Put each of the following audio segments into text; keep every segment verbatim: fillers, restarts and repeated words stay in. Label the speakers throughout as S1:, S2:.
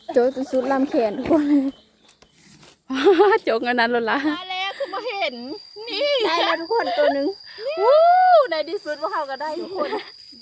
S1: โจกสุดลำแขนทุกคนโจกอันนั้นแล้วล่ะ
S2: มาแล้วคือมาเห็นนี่
S1: ได้แล้วทุกคนตัวหนึ่ง
S2: วู้ในที่สุดพวกเขาก็ได้ทุกคน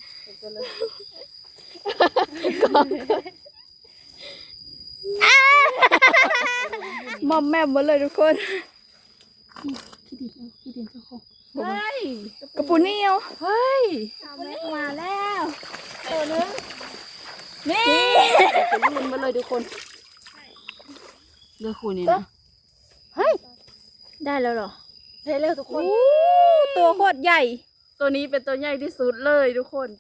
S1: มอมแม่หมดเลยทุกคน
S2: ขี้ดินขี้ดินเจ้าของเฮ้ย
S1: กระปุกนี่เอา
S2: เฮ้ย
S1: มาแล้วตัวนึง
S2: นี่จะลื่นมาเลยทุกคนเลือกคุณนี่นะ
S1: เฮ้ยได้แล้วเหรอ
S2: ได้แล้วทุกคน
S1: ตัวโคตรใหญ่
S2: ตัวนี้เป็นตัวใหญ่ที่สุดเลยทุกคน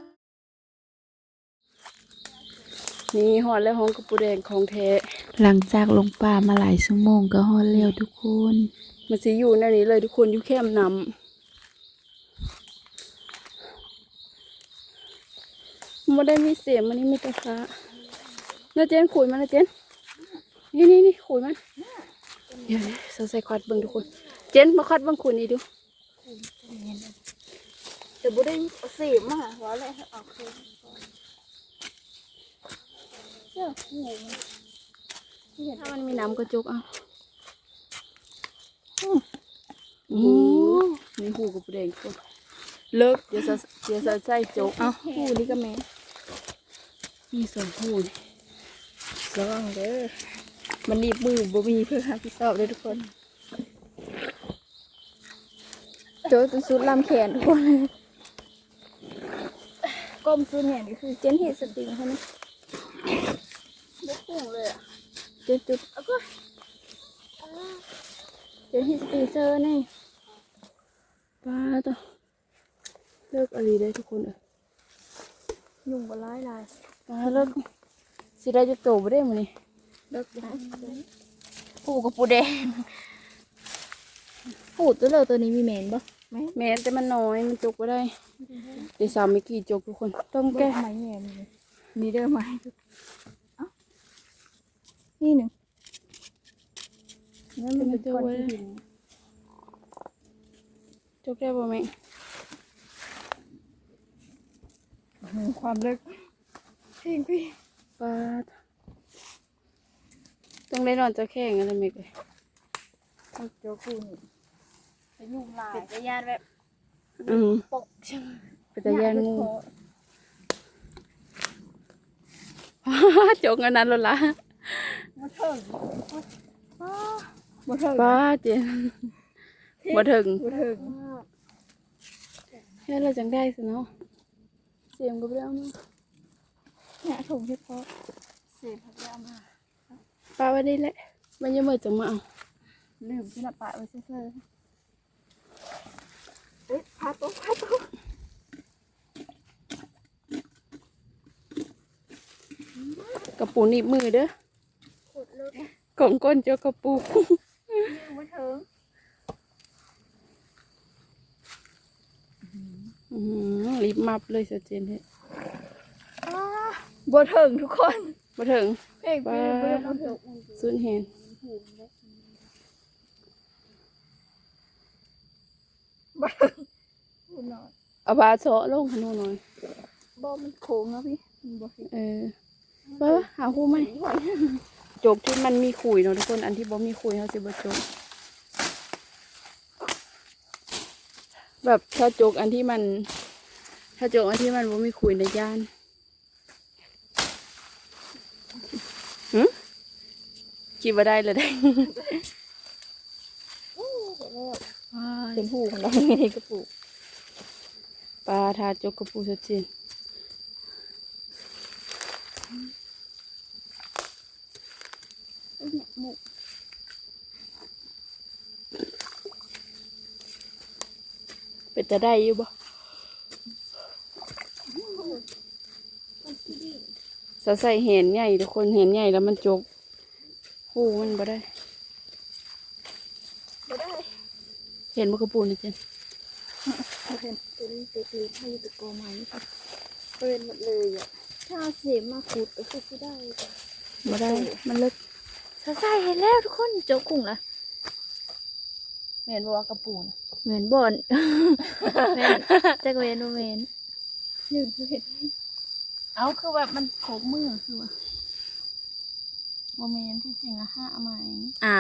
S2: นี่หอดแล้วห้องกระปูแดงของแท้
S3: หลังจากลงป่ามาหลายชั่วโมงก็ฮอดแล้วทุกคน
S2: มันสิอยู่ในนี้เลยทุกคนอยู่แคมน้ำมันได้มีเสียงมันนี่มีแต่ฟ้าน่าเจนขุยมันนะเจนนี่นี่นี่ขุยมันเดี๋ยวนี้เราใส่ควัดเบิ้งทุกคนเจนมาควัดเบิ้งขุยนี่ดู
S1: แต่บุได้เสียมอ่ะว่าอะไรเอาคืนเจ้า
S2: ถ้ามันมีน้ำกระจกอ่ะ
S1: อื
S2: มนี่หูกับแดงก็เลิกเดี๋ยวจะเดี๋ยวจะใส่จก
S1: เอาหูนี่ก็แม่
S2: มีสองหู
S1: ระวังเด้อมันหนีบมือบ่มีเพื่อหาพี่สอบเลยทุกคนโจกสุดลำแขนทุกคนก้มสุดแขนก็คือเจนเฮดสติงเขาไหม
S2: ไม่พุ่งเลยอ่ะ
S1: เจนจุดเอาก็เจนเฮดสติงเซอร์นี่
S2: ป้าต่อเลิกอะไรได้ทุกคนอ่ะ
S1: ยุ่งบ่ร้ายลาย
S2: ป้าเลิกสิได้จะโตไม่ได้มั้ยนี่
S1: เลิกได้
S2: ปูกับปูแดง
S1: ปูตัวเลยตัวนี้มีแมนบ่
S2: แมนแต่มันน้อยมันจกไม่ได้เดี๋ยวสามไม่กี่จกทุกคนต้องแก้
S1: ไม้แง่นี่มีเด้อไม้นี่หนึ่ง
S2: นั่นมันจกไว้จกได้ป่ะแม่
S1: ความเลิกเพ่งพี่
S2: ป้าต้องได้นอนจะแข่งอะไรไหมเลย
S1: เจ้าคู่นี่จะยุ่งลายจะยานแบบ
S2: อืม
S1: ปกใช่ไหม
S2: เป็นแต่ยานงูจกอันนั้นแล้วล่ะ
S1: มาถึงมาถึง
S2: ป้าเจนมาถึง
S1: มาถึง
S2: แค่เราจังได้สิเนาะเสียงก็ไม่ได้เอามา
S1: เนี่ยถุงเฉพาะเสียพักยามา
S2: ป้าไว้ได้แหละมันยังมือจังมาเอา
S1: ลืมที่ละปะไว้เซ่อเอ๊ะพาตุ๊กพาตุ๊ก
S2: กระปูหนีบมือเด้อ
S1: ขุดเลย
S2: กล่องก้นเจ้ากระปู
S1: มาถึง
S2: รีบมับเลยสเจนเฮ้
S1: บ่ถึงทุกคน
S2: บ่ถึง
S1: เพ่งพี่บ่ถึง
S2: สุดเห็น
S1: บ่ถึง
S2: เอาบาโซลงขนมหน่อย
S1: บ่มันโค้งนะพี่บ่
S2: เออป้าหาคู่ไหมจกที่มันมีขุยเนาะทุกคนอันที่บ่มีขุยเขาจะบ่จกแบบถ้าจกอันที่มันถ้าจกอันที่มันบ่มีขุยในย่านหืมคิดว่าได้เลยได้
S1: เป็นหูของเราไงกระปุก
S2: ปลาทาจกกระปูสดจริงเป็นจะได้อยู่บ่สาวใส่เห็นใหญ่ทุกคนเห็นใหญ่แล้วมันจกหูมันบ่ได้
S1: บ่ได้
S2: เห็นมันกระปูนี่เจน
S1: เห็นตัวนี้เล็กๆให้ตะกอไม้เป็นหมดเลยอ่ะถ้าเสียมาขุดก็คือได้
S2: บ่ได้มันเล็ก
S1: สาวใส่เห็นแล้วทุกคนโจกุ้งละ
S2: เห็นว่ากระปูนะ
S1: เหมือนบ่อนแม่จะเวนเวนหนึ่งเห็น
S2: เอาคือแบบมันโขกมือคือว่าโมเมนที่จริงอะห้าไหม
S1: อ้าว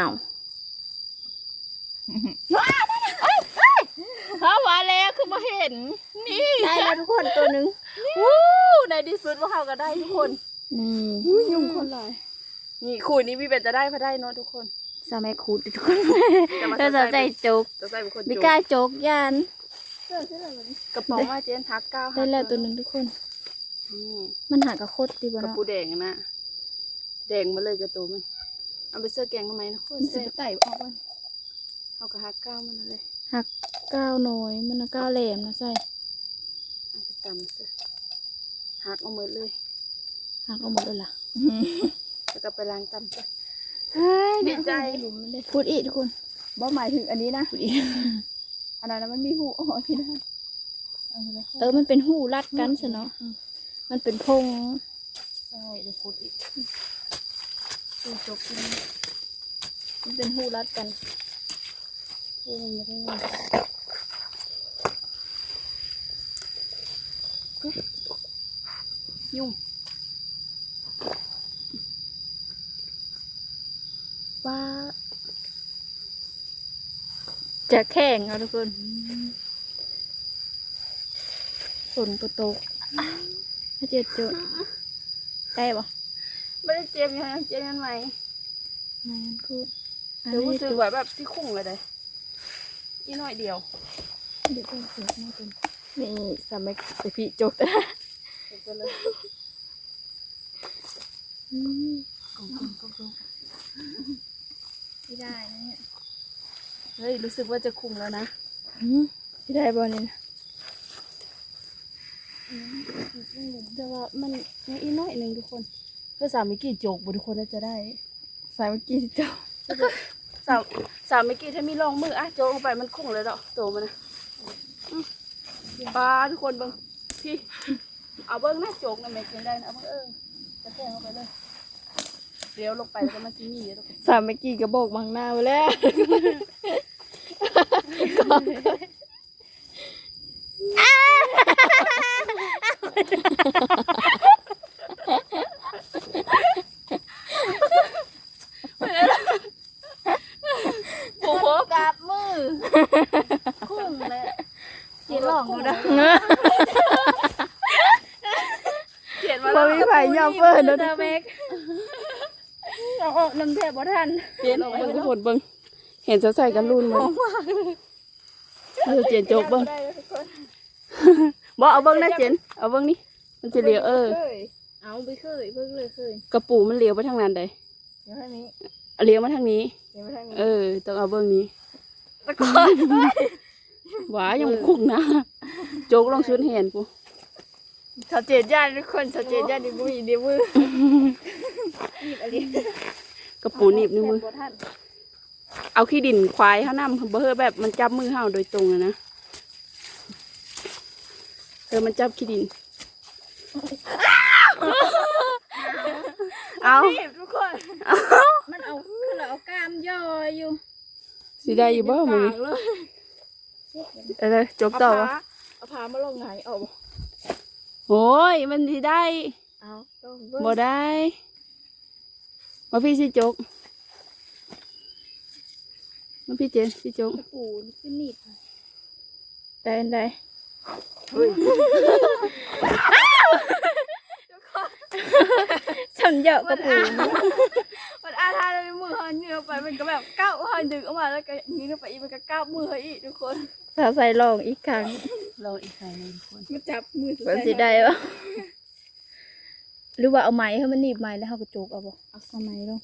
S2: เขาว่าแล้วคือมาเห็นนี่
S1: ได้แล้วทุกคนตัวหนึง
S2: วู้ในที่สุดว่าเขาก็ได้ทุกคน
S1: นี่
S2: อุ้ยยุ่งคนหลายนี่คู่นี้พี่เป็นจะได้พอได้เนาะทุกคน
S1: สมัยคูดทุกคน
S2: จะมา
S1: เธอจะใจโจก
S2: จะใส่เป็นคน
S1: บิ
S2: จุ
S1: กล้าโจกยัน
S2: กระป๋องว่าเจนทักเก้า
S1: ได้แล้วตัวหนึงทุกคน
S2: นี่
S1: มันหากระโคตรตีบ่
S2: กระ
S1: เนาะ
S2: ปูแดงนะแดงมาเลยกระตัวมันเอาไปเสื้อแกงทำไมนะคน
S1: มันสิ
S2: เสื้อ
S1: ไปไต่ออกมัน
S2: เขากระหักเก้ามันเลย
S1: หักก้าวน้อยมันน่ะก้าวแหลมนะใส่
S2: เอาไปตำเสื้อหักเอาหมดเลย
S1: หักเอาหมดเลยล่ะ
S2: แล้วก็ไปล้างตำเสื้อ
S1: เฮ้ย
S2: ดีใจ
S1: พูดอีกทุกคน
S2: บ่หมายถึงอันนี้นะ
S1: พูดอีก
S2: อันนั้นมันมีหูอ๋อที่นั่น
S1: เออมันเป็นหูรัดกันซะเนาะมันเป็นพง
S2: ใช่เดี๋ยวพูดอีก
S1: หูจกนี่มันเป็นหูรัดกัน
S2: พูดยังไงยุ่ง
S1: ว่าจะแข่งเอาทุกคนฝนก็ตกถ้าเจ็ดจุดได้ปะ
S2: ไม่ได้เจ็บยังเจ็บยังไง
S1: ไม่งั้นพูด
S2: เดี๋ยวรู้สึกว่าแบบที่คุ้งเลยเด้อีน้อยเดียว
S1: เดี๋ยวต้องเสียมากเป็นนี่สมัยแต่พี่จก
S2: ก็เลย
S1: อืม
S2: กงกงกงกง
S1: ไม่ได้นะเนี่ย
S2: เฮ้ยรู้สึกว่าจะคุ้งแล้วนะ
S1: อืมไม่ได้บอลนี่นะ
S2: แต่ว่ามันยังอีน้อยหนึ่งทุกคนเพื่อสามมิกี้โจกบุทุกคนน่าจะได้
S1: สายเมื่อกี้ที่เจ้า
S2: สามสามมิกี้ถ้ามีรองมืออ่ะโจกลงไปมันคุ้งเลยดอกโตมันนะอืมปลาทุกคนเบิ้งพี่เอาเบิ้งนะโจกนะแม่กินได้นะเอาเบิ้งเออจะแทงเข้าไปเลยเดี๋ยวลงไปแล้วก็มันจะมีเดี๋ยวทุกคน
S1: สามเมื่อกี้กระบอกบังหน้าไปแล้ว
S2: โอ้โห
S1: กราบมือคุ้งเลยเจีหลองดูนะ
S2: เขียนมา
S1: พ
S2: แล้
S1: อ
S2: ว
S1: มีไผ่ยอมเปิดแล้วนะแม็กเอาออกน้ำแทบบ่ทัน
S2: เขียนเบิ้งทุกคนเบิ้งเห็นจะใส่กันรุ่นมั้ยเออเจนโจกเบิ้งบ่เอาเบิ้งนะเจนเอาเบิ้งนี่มันจะเลี้ยวเออ
S1: เอาไปเคยเพิ่งเลยเคย
S2: กระปูมันเลี้ยวไปทางนั้นใด
S1: เดี๋ยวให้นี้
S2: เลี้ยวมาทางนี้
S1: เดี๋ยวไปทางนี้
S2: เออต้องเอาเบิ้งนี้
S1: ตะกอน
S2: หวายังคุ้งนะโจกลองชุดเห็นกู
S1: ชัดเจนญาติทุกคนชัดเจนญาติมือเดียวมือหยิบอะไร
S2: กระปูหนีบนิ้วมือ
S1: บ่ทัน
S2: เอาขี้ดินควายเขานำเบอร์แบบมันจับมือเฮาโดยตรงอะนะเออมันจับขี้ดินเอา
S1: หยิบทุกคนมันเอาคือเราเอากล้ามย่ออยู่
S2: สิได้อยู่บ่มึงเออจบต่อวะ
S1: เอาพามาลงไหนเอา
S2: โอ้ยมันสิได้
S1: เอาต้อง
S2: บ่ได้มาพี่สิจกมาพี่เจนสิจก
S1: ปูขึ้นหนีบได้ได้ฉันเยอะกระปู
S2: มันอาทาในมือหันเงือไปมันก็แบบก้าวหันดึงออกมาแล้วก็ยืนไปอีกมันก็ก้าวมืออีกทุกคน
S1: ถ้าใส่ลองอีกครั้ง
S2: ลองอีกครั้งนึงทุกคน
S1: มาจับมือมันสิได้ปะหรือว่าเอาไม้ให้มันหนีบไม้แล้วเขาก็โจกเอาบ่เอาเอาไม้ลง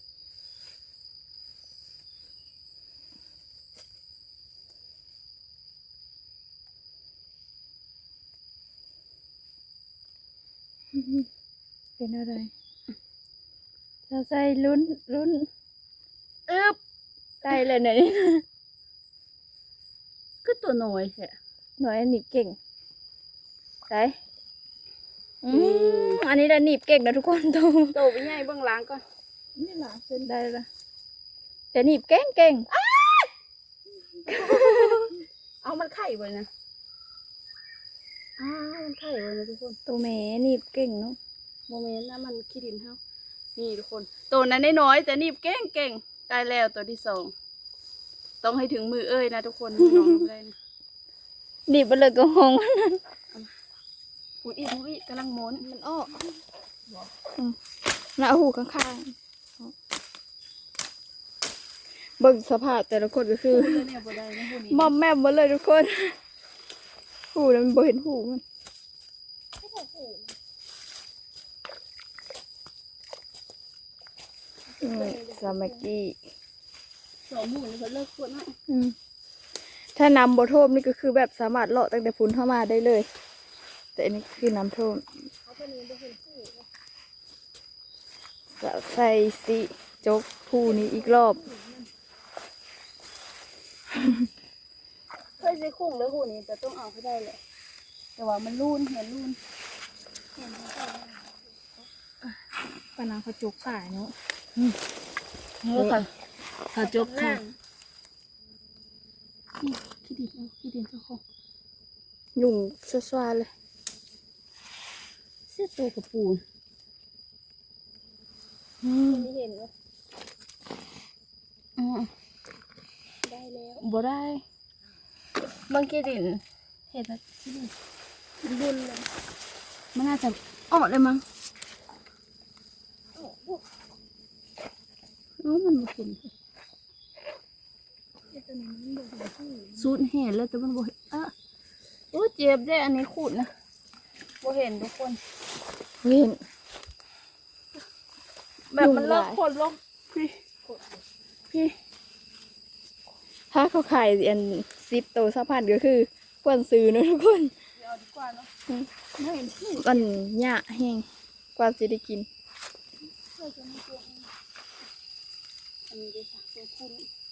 S1: เป็นอะไรถ้าใส่ลุ้นลุ้น
S2: อึ๊บ
S1: ได้เลยเนี่ย
S2: ก็ตัวน้อยแค่
S1: หน่อยหนีบเก่งได้อืมอันนี้ได้หนีบเก่งนะทุกคนโต
S2: โตไปใหญ่เบื้องหล้างก่อน
S1: นี่หลาเส้นได้ละแต่หนีบเก่งเก่ง
S2: เอามันไข่ไว้นะอ้าวมันไข่ไว้นะทุกคน
S1: ตัวแม่หนีบเก่งเนาะ
S2: โมเมนต์นะมันขี้ดินเฮานี่ทุกคนตัวนั้นน้อยๆแต่นี่เก่งเก่งๆได้แล้วตัวที่สองต้องให้ถึงมือเอ้ยนะทุกคนมือน้องได้นะ
S1: ดิบไปเลยก็หง
S2: พูดอีกพูดอีกกำลังม้วน
S1: มันอ้ออืมแล้วเอาหูข้างๆเบิ่งสภาพแต่ละคนก็คือ
S2: พูดแล้วเนี่ยบ่ได้นะพูดนี้
S1: มอมแม่มหมดเลยทุกคน หูแล้วมันบ่เห็นหูมันอืมสามัคคี
S2: สองหมู่นี่เขาเลิกพูดนะ
S1: อืมถ้าน้ำบ่ท่วมนี่ก็คือแบบสามารถเลาะตั้งแต่พุนเข้ามาได้เลย แต่อันนี้คือน้ำท่วมจะใส่สิจกผู้นี้อีกรอบ
S2: เคยใช้คุ้งแล้วหูนี้แต่ต้องเอาให้ได้เลยแต่ว่ามันรูนเห็นรูน
S1: ปานางเขาจกขายเนาะ
S2: เออค่ะถ้าจบค่ะขี้ดินเอาขี้ดินเจ้าของ
S1: ยุ่งสวาๆเลย
S2: เสื้อตัวกระปูน
S1: อืม
S2: ไม่เห็นวะอืมได้แล้วบ่ได้บางขี้ดินเห็นแล้วขี้ดินบุญเลยมันน่าจะออกเลยมั้งอ๋อมันบ่เห็นสูดเห็นแล้วแต่มันบ่เห็นอ่ะโอ้เจ็บได้อันนี้ขูดนะบ่เห็นทุกคน
S1: เห็น
S2: แบบมันเลิกคนลงพี่พี่
S1: ถ้าเขาขายอันซิปโตสะพันก็คือควรซื้อเนอะทุกคน
S2: เดี๋ยวเอาดีกว่าเนาะไม่เห็นพี่
S1: มันหยะแห้งกว่าจะได้กิน
S2: เราจะไม่กลัวอันนี้ได้สักตัวคุณ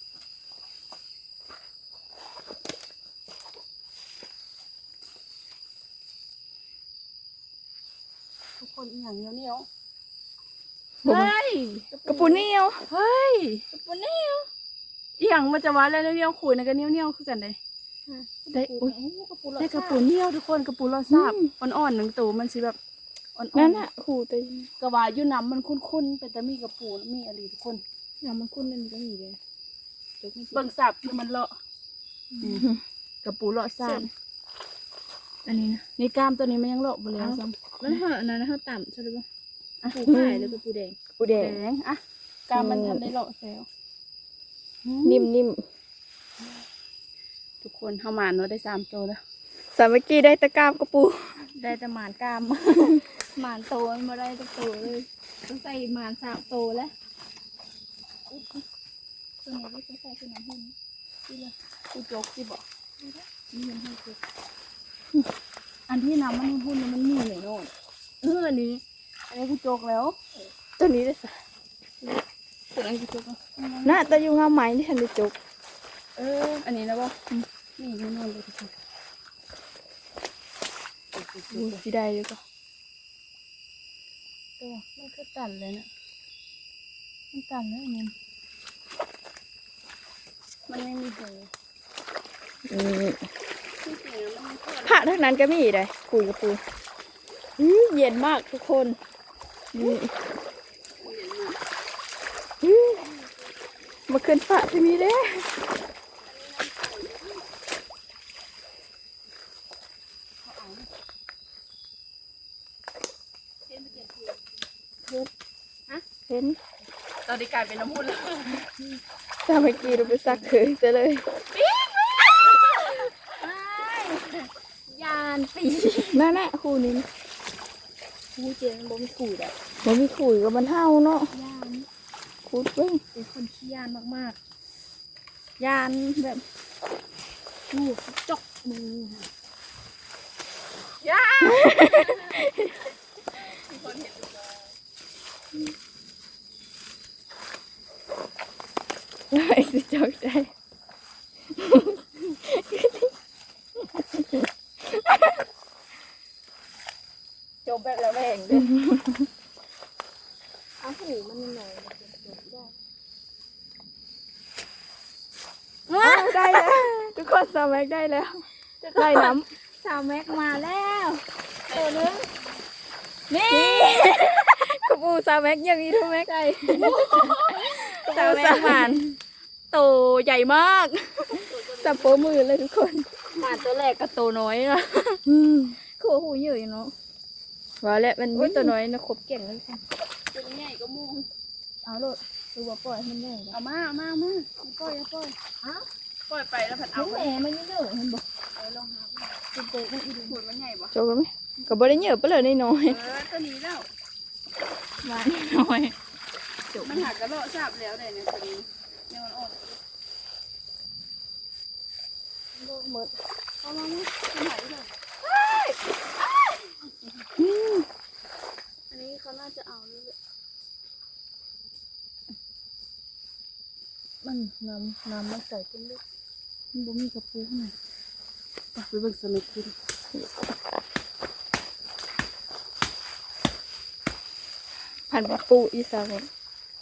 S2: ทุกคนอีกอย่างเหนียวเหนียวเฮ้ย
S1: กระปุนเหนียว
S2: เฮ้ยกระปุนเหนียวอีกอย่างมันจะว่าแล้วเหนียวๆขูดนะก็เหนียวเหนียวคือกันเลยได้อุ้ยได้กระปุนเหนียวทุกคนกระปุนรสชาติอ่อนๆหนึ่งตัวมันสิแบบอ่อนๆ
S1: นั่นน่ะหูแต่
S2: กระว่าอยู่น้ำมันคุ้นๆเป็นแต่มีกระปูมีอะไรทุกคน
S1: น้ำมันคุ้นนั่นก็มีเลย
S2: เบิ่งสับคือมันเลาะกระปูเลาะซ่าน
S1: อันนี้นะ
S2: นี่กล้ามตัวนี้มันยังเลาะบ่แล้วซ้
S1: มันเหอะอันนั้นนะเขาต่ำใช่ไหมปูขายเลยกระปูแดงปูแด
S2: ำ
S1: ง
S2: แดงอะกล้ามมันทันได้เลาะแล้ว
S1: นิ่มนิ่ม
S2: ทุกคนเข้ามาเนาะได้สามตัวแล้ว
S1: สามัคคีได้ตะกร้ามกระปู
S2: ได้แต่หมานกล้าม หมานโตมันมาได้ตัวโตเลยต้องใส่หมานสามโตแล้วตัวนี้ไม่ต้องใส่คือน้ำหุ่นนี่เลยกูจกสิบอกนี่มันให้จกอันที่น้ำมันหุ่นมันมีเลยโน่นเอออันนี้อันนี้กูจกแล้ว
S1: ตัวนี้ได้สะ
S2: ตัวนั้นกูจกแล้ว
S1: น่าแต่อยู่งามไหมที่ทันได้จก
S2: เอออันนี้นะบ่นี่นี่นอนเลยทุกคน
S1: ดูสิได้อยู่ก็
S2: ตัวมันคือตันเลยนะมันตันเลยมันมันไม่มีหัว
S1: อืม
S2: ที่จริงมันไม่
S1: ผ้าเท่านั้นก็มีได้คุยกระปูอื้อเย็นมากทุกคนนี่อื้อมาขึ้นผ้าที่นี่เด้เห็น
S2: ตอนนี้กลายเป็นน้ำพุแล้ว
S1: สามัคคีเราไปซักเขยซะเลย
S2: ยานปี
S1: นั่นแหละคู่นี้
S2: ผู้เจนบ่มีขู่อ่ะ
S1: มันมีขุยกับมันเท่าเนาะ
S2: ยาน
S1: ขุดเบ้ง
S2: เป็นคนขี้ยานมากๆยานแบบลูกจกมือยาน
S1: ไอ้สิจอกได้
S2: จบแบบแล้วแหงด้วย
S1: เอาหูมันหน่อยได้ได้แล้วทุกคนสามัคได้แล้วได้น้ำ
S2: สาวแม็กมาแล้วตัวนึง
S1: นี่ คระปูซาแม็กยังอีทูแม็กไอซาแม็กหวานโตใหญ่มากสับโปมือเลยทุกคนหวานตัวแรกกับโตน้อยนะคือว่าหูเยอะอยู่เนาะว่าแล้วมันไม่ตัวน้อยนะครบเก่งเลยค่ะ
S2: ตัวใหญ่ก็มูง
S1: เอาโลดดูว่าปล่อยให้มันใหญ่
S2: เอามาเอามาเอามาปล่อยเอาปล่อย
S1: อ้าว
S2: ปล่อยไปแล้วผัด
S1: เอา
S2: เอา
S1: แหม่มันไม่เยอะเห็นบ่
S2: เออลองหา
S1: เป็นโตมันอีก
S2: หุ่นมันใหญ่ปะ
S1: โจกันไหมก็บ่ได้เยอะไปเลยน้อย
S2: เออตัวนี้แล้ว
S1: หวานน้อย
S2: มันหักกระโดดทราบแล้วเลยเนี่ยตัวนี้เนี่ยมันอ่อน
S1: หมด
S2: เอามาไหมมันหายไปเลยอันนี้เขาน่าจะเอาเลย
S1: มันน้ำน้ำมันใส่เป็นลูก
S2: มันบ่มีกระปุกน่ะไปเบิ่งสมิธกิน
S1: ผ่านปูอีสานเลย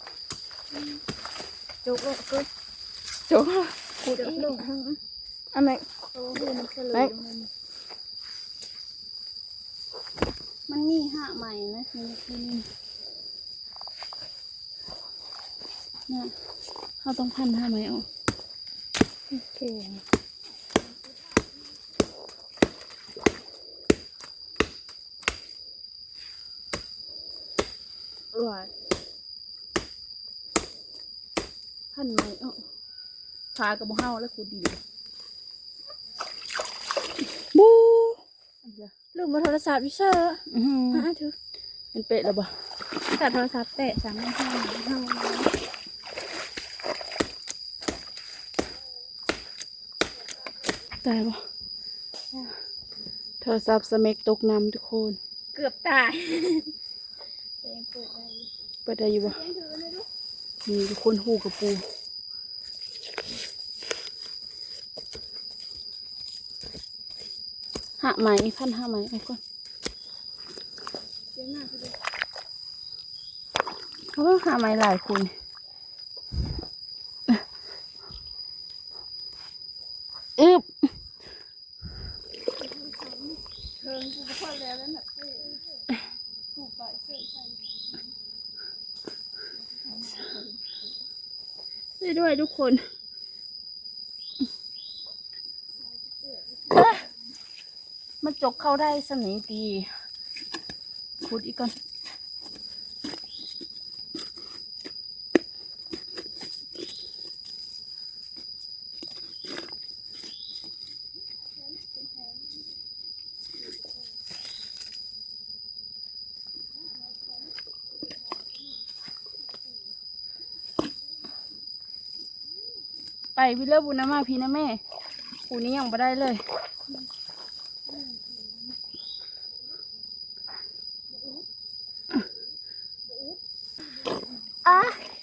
S1: โจกเลยก็โจกขูดอีกอ่ะแม็ก
S2: เพราะว่าหูมันเฉลยมันมันมีห้าใหม่นะมันกินเนี่ยเขาต้องพันห้าไหมอ๋อ
S1: โอเคหวาน
S2: พันไหมอ๋อพากับบ่เฮาแล้วคูดี
S1: บูลืมมาโทรศัพท์อยู่เชอร์
S2: อือหื
S1: อ่ะ
S2: อ
S1: ถือ
S2: เป็นเป็ดแล้วบ่
S1: ตัดโทรศัพท์แตะสามห้าห้าห้า
S2: ตายบ่โทรศัพท์สเมกตกน้ำทุกคน
S1: เกือบตายแต่ยังเปิดได้อยู่
S2: เปิดได้อยู่บ่นี่ทุกคนหูกับปูห้าไหมพันห้าไหมเอาก่อน
S1: เจ๊งมากเลย
S2: โอ้ห้าไหมหลายคนอึบเทิงกูก็พอแล้วแล้วน่ะถูกไปเสื้อใส่ช่วยด้วยทุกคนมันจกเข้าได้สนิทดีขุดอีกก่อนไปพี่เลิกบุญนะมาพี่นะแม่ปูนี้ยังไม่ได้เลยอ่ะ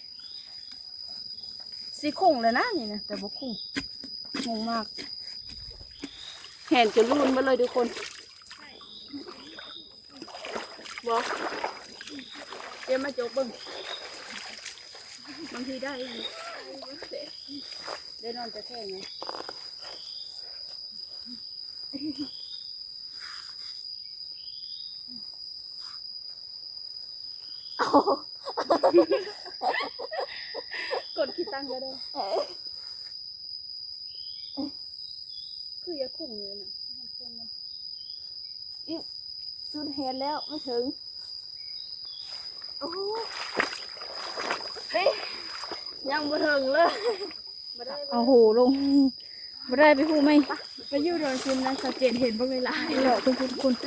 S2: สีคงเลยนะนี่นะแต่บ่คงงงมากแหนจะรุนมาเลยทุกคนบอกเดี๋ยวมาโจกเบิ้งบางทีได้อยู่ได้นอนจะแค่ไงกดคิดตั้งก็ได้คืออย่าคุ้งเลยนะ
S1: สุดเฮดแล้วไม่ถึงโอ้เฮ้ย
S2: ยังบ่ถึงเลย
S1: เอาโหลงไม่ได้ไปพูดไหมไปยู่โดนชิมนะสาวเจนเห็นบ้างเวลาเหล่อคุณคุณคุณ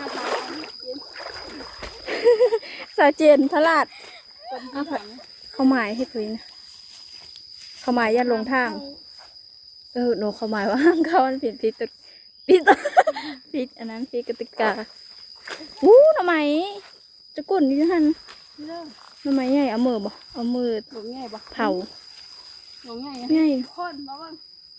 S1: สาวเจนทลาดเขาหมายให้คุยนะเขาหมายยันลงทางเออหนูเขาหมายว่าห้ามเข้ามันผิดผิดตึกผิดผิดอันนั้นผิดกติกาอู้ทำไมจะกุ่นอยู่หันทำไมใหญ่เอามือบ่เอามือ
S2: หลงง่ายปะ
S1: เผา
S2: หลงง่าย
S1: ใหญ่
S2: คนมาบ้าง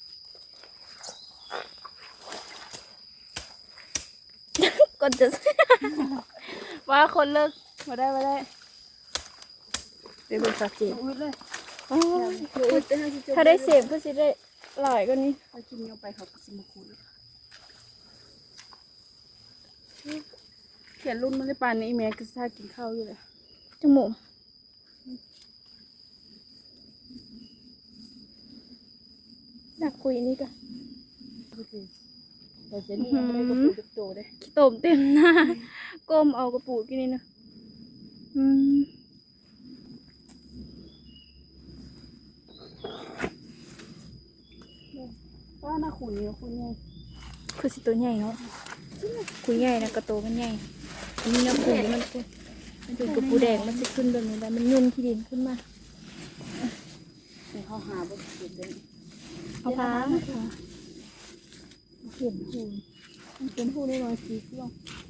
S1: ก่อนจะ
S2: ว่าคนเลิกมาได้มาได้
S1: ไปเบิ่งสาวเจน
S2: อุ้ยเลย
S1: โอ้ยถ้าได้เสพก็สิได้หลายกว่านี้
S2: ไปกินเงี้ยไปเขาก็สิมาคุยเขียนรุ่นมันได้ปานนี้แม่ก็ถ้ากินข้าวอยู่เลย
S1: จมูกอยากคุยนี่ก็
S2: แต่เจนี่ยังไม่ได้กระปูจุกโตเลย
S1: ขี้ต้มเต็มหน้าก้มเอากระปูกินนี่นะอืม
S2: ว่าหน้าขุนนี่ขุนไง
S1: คือสิตัวใหญ่เนาะคุยใหญ่นะกระโตมันใหญ่อันนี้น้ำขุ่นมันเป็นมันเป็นกระปูแดงมันจะขึ้นแบบนี้แล้วมันยุ่นที่ดินขึ้นมา
S2: นี่เขาหาบนเขียนเลย
S1: เอาพาเขียนหูมันเป็นหูได้ร้อยสีกล่อง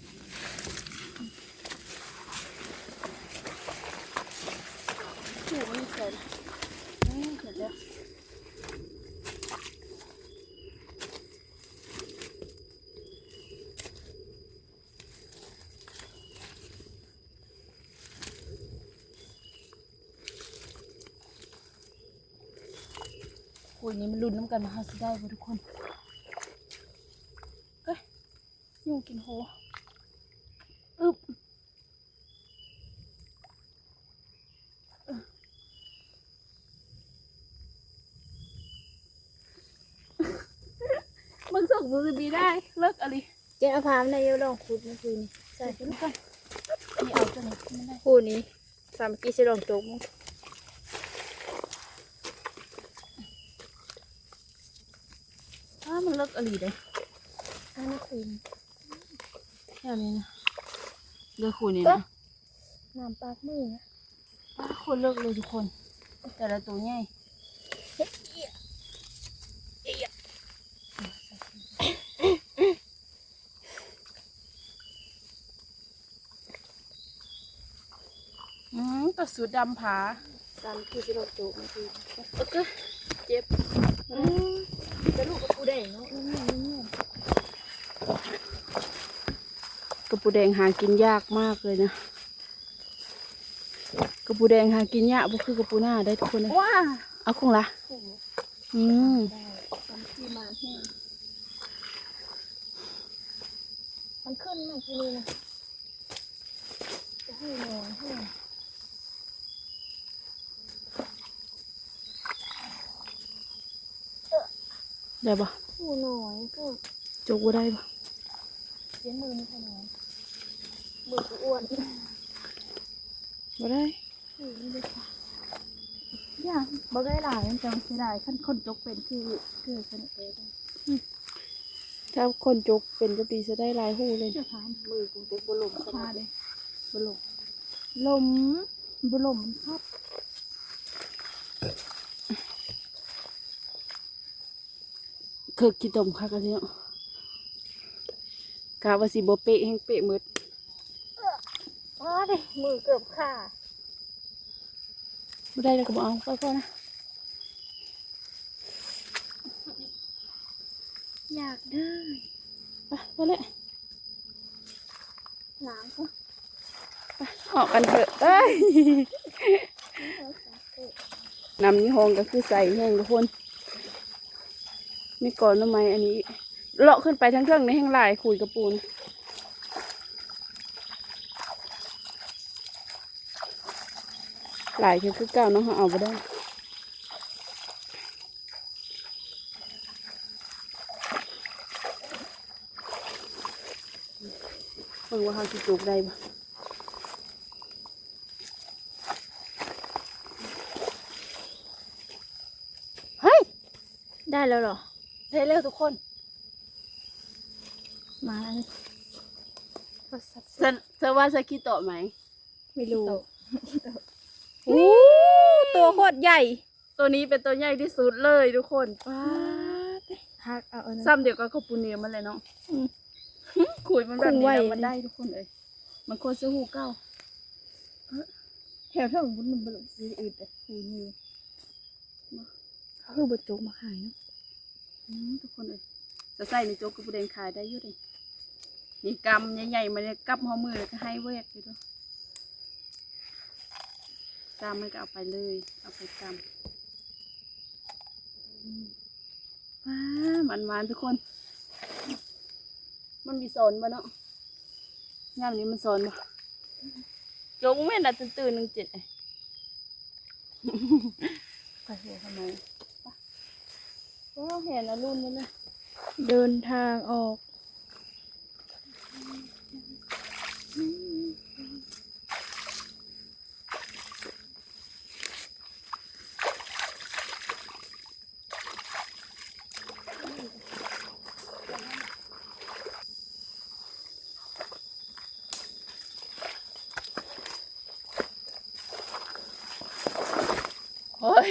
S2: ถูกมันเขียนเขียนแล้ว คุยนี้มันลุ้นน้ำกันมาหาสิได้ป่ะทุกคนเอ้ยยุงกินโหอึบเอ้อมึงส่งมือบีได้เลิกอะไร
S1: เจนเอาพามในเยอะลองขุดเมื่อคืนนี้ใช่
S2: ใส่ทุกคนนี่เอาตัวนี้ไม่ได้
S1: คู่นี้สามกีสิลองโจกมั้ง
S2: ถ้ามันเลิกอะไรได้
S1: อันนี้คืน
S2: แค่นี้นะเลิกคุยนี่นะ
S1: น้ำปากมือนะ
S2: อ้าคนเลิกเลยทุกคน แต่ละตัวใหญ่อืมตัวสูดดำผา
S1: สามกีสิลองโจกเมื่อคืน
S2: โอเคเจ็บ
S1: จะลูกกับปูแดงเนาะนี่นี่นี่
S2: กระปูแดงหากินยากมากเลยนะกระปูแดงหากินยากบ่คือกระปูหน้าได้ทุกคนเลย
S1: ว้า
S2: เอาคงละอืม
S1: ได้สามกีมาแห้งมันขึ้นมาทีนี้นะจะให้นอนให้
S2: ได้ปะ
S1: ผู้น้อยก็
S2: จกบ่ได้ปะ
S1: เสียมือนี่ขนาดมือกูอ้วน
S2: บ่ได้
S1: อืมเลยค่ะย่าบ่ได้หลายมันจังเสียดายขั้นคนจกเป็นคือคือคนเอ๋กัน
S2: ถ้าคนจกเป็นก็ปีจะได้หลายหูเลย
S1: เจ้าพานมือกูเต็มบลมขนาดเลยบลม
S2: ลม
S1: บลมมันครับ
S2: เคือกินตมคักอันนี้เนาะกะว่าสิบ่เปะแห้งเปะหมืด
S1: มาดิมือเกือบขาด
S2: บ่ได้แล้วก็บ่เอาไปก่อนนะ
S1: อยากได้
S2: ไปไปเลย
S1: หลังก็
S2: ออกกันเถอะเอ้ยนำยี่ห้องก็คือใส่แห้งทุกคนมีก่อนทำไมอันนี้เลาะขึ้นไปทั้งเครื่องในแห้งลายขุยกระปูนหลายคือเก่าเนาะเอาไปได้เพิ่งว่าเขาจะปลูกได้บ่
S1: ได้แล้วเหรอ
S2: ได้เร็วทุกคน
S1: มาแล้วนี่
S2: เธอเธอว่าจะคิดต่อไหม
S1: ไม่รู้อู้ตัวโคตรใหญ่
S2: ตัวนี้เป็นตัวใหญ่ที่สุดเลยทุกคนป้าด
S1: ฮักเอาอันนั้น
S2: ซ้ำเดียวกับข้าวปูเนียมันเลยเนาะ
S1: อืม
S2: ขุยมันแบบ
S1: คง
S2: นี้
S1: ไว้
S2: แล้วมันได้ทุกคนเลยมันโคตรซื้อหูเก้าแถวเท่าของมันบลุสีอื่นแต่หูนี่
S1: คือบดจุกมาขายเนาะ
S2: อืมทุกคนเลยจะใส่ในโจ๊กกระปูแดงขายได้อยุ่เลยนี่กำใหญ่ๆมันเนี่ยกับหัวมือแล้วก็ให้เวกอยู่ด้วยกำมันก็เอาไปเลยเอาไปกำอืมว้ามันหวานทุกคน มันมีโซนบ่เนาะงานนี้มันโซนบ่จงแม่น่ะตื่นๆหนึ่งเจ็ดไอ้ไปหัวทำไมก็เห็นนะรุ่นนี้เลย
S1: เดินทางออก
S2: เฮ้ย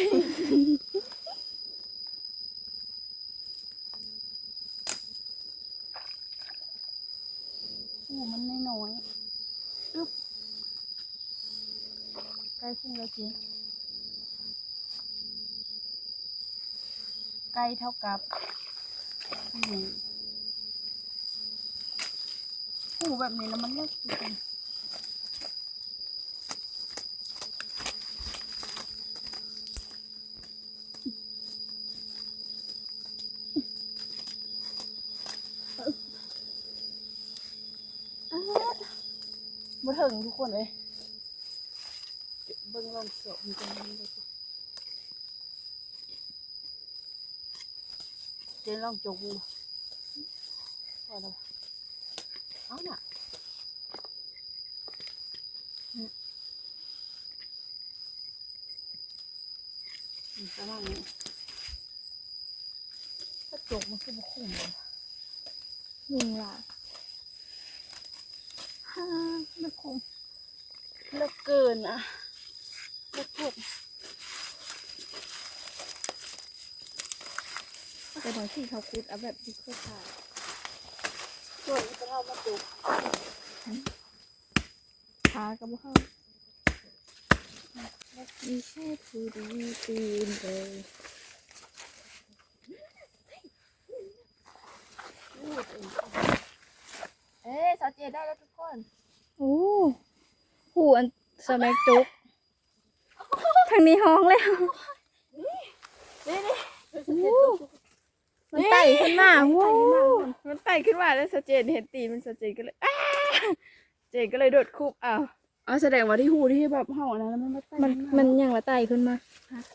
S2: โอ้มันน้อยๆอึ๊บใกล้ขึ้นแล้วจีใกล้เท่ากับนี่โอ้แบบนี้แล้วมันเล็กจริงมาถึงทุกคนเลยเบิ้งลองสอบมันจะมันเลยเจนลองจกดูพอแล้วเอาน่ะประมาณนี้ถ้าจกมันคือบุคุ้มเลย
S1: ยุงหลาย
S2: ฮ่าไม่คุ้มเลิกเกินอ่ะเลิกพูด
S1: แต่บางที่เขาคุดเอาแบบดิเข้าถ่าย
S2: ส่วนนี้จะเท่ามาจุก
S1: ขากับเข้าไม่ใช่ผู้ดีตีนเลย
S2: พูดเองเอ๊ะสาวเจได้แล้วทุกคน
S1: โอ้ผู้อันสมัยจุกทางนี้ห้องแล้ว
S2: นี่นี่
S1: มันไต่ขึ้นมาโว้มันไต่ขึ้นมาแล้วสเจนเห็นตีนมันสเจนก็เลยอ้าเจนก็เลยโดดคูบอ้าว
S2: อ๋อแสดงว่าที่หูที่แบบเห่านะแล้วมันมาไต่
S1: มันมันยังละไต่ขึ้นมา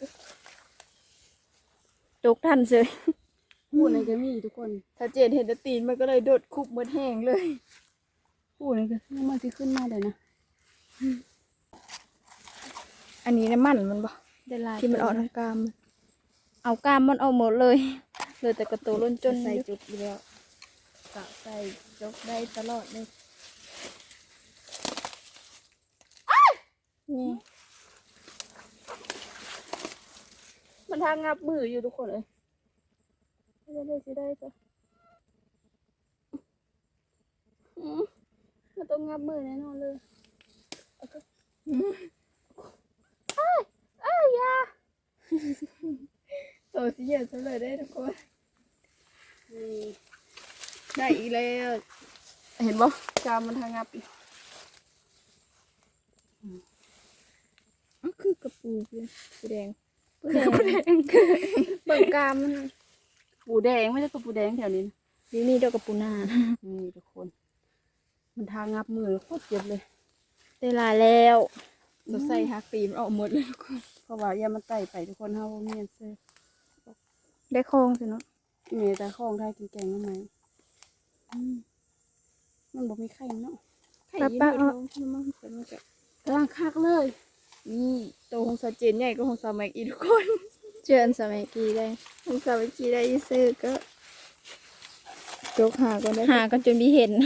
S1: จุกทันเลย
S2: หูในก็มีทุกคน
S1: สเจนเห็นแต่ตีนมันก็เลยโดดคูบเหมือนแห้งเลย
S2: หูในก็มันที่ขึ้นมาเลยนะ
S1: อันนี้น้ำมันมันบ่ที่มันออกทางกรามเอากรามมันเอาหมดเลยเลยแต่กระตูล้นจนใส่จุดอยู่แล้วกะใส่จกได้ตลอดเลยนี่
S2: มันทางงับมืออยู่ทุกคนเลยได้ได้สิได้จ้ะอืมมันต้องงับมือแน่นอนเลยเอ้ยเอ้ยยา
S1: โตสิเยอะซะเลยได้ทุกคน
S2: นี่ได้อีกแล้วเห็นบ่กามมันทางงับอีก
S1: อ๋อคือกระปูเลยปูแดงปูแดงปูแดงเบิ่งกรามมัน
S2: ปูแดงไม่ใช่ตัวปูแดงแถวนี้นะ
S1: นี่นี่เดียวกับปูนา
S2: นี่ทุกคน มันทางงับมือโคตรเจ็บเลย
S1: ได้ลายแล้วจะใส่ฮักตีมันออกหมดเลยทุกคน
S2: เพราะว่าอย่ามันไต่ไปทุกคนเฮาบ่มีอันเซ่
S1: ได้คลองสิเนาะ
S2: เมตาข้องไทยกินแกงทำไมมันบอกมีไข่เนาะไข่
S1: ป้า
S2: เย
S1: ป้า
S2: อะ
S1: เอา
S2: ๆมันเป็นมันจะกลางคักเลย
S1: นี่ตัวของสาเจนใหญ่ก็ของสามัยอีทุกคน เจออันสามัยกีได้ของสามัยกีได้อีซื้อก็จกหาก็ได้หากันจนมีเห็น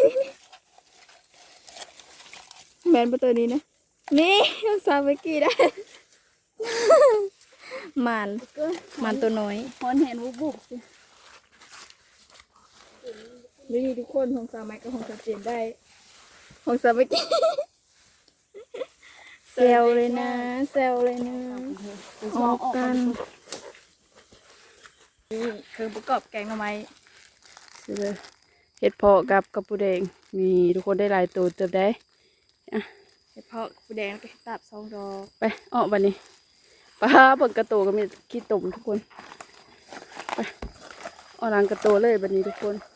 S1: แมนประตัวนี้นะนี่ของสามัยกีได้ หมัน
S2: ก็
S1: หมันตัวน้อย
S2: ฮอนเห็นบุบบุบสิ
S1: นี่ทุกคนของสามัยกับของสาเจนได้ ของสามัยกี เซลเลยนะเซลเลยนะ
S2: ออกกัน
S1: นี่เครื่องประกอบแกงหน่อไม้
S2: เห็ดเพาะกับกระปูแดงนี่ทุกคนได้หลายตัวเติบได้
S1: เห็ดเพาะปูแดงแล้วก็เห็ดตับสองดอก
S2: ไปออกบันนี้ปลาเปิดกระโตก็มีขี้ตุ่มทุกคนไปออกหลังกระโตเลยบันนี้ทุกคน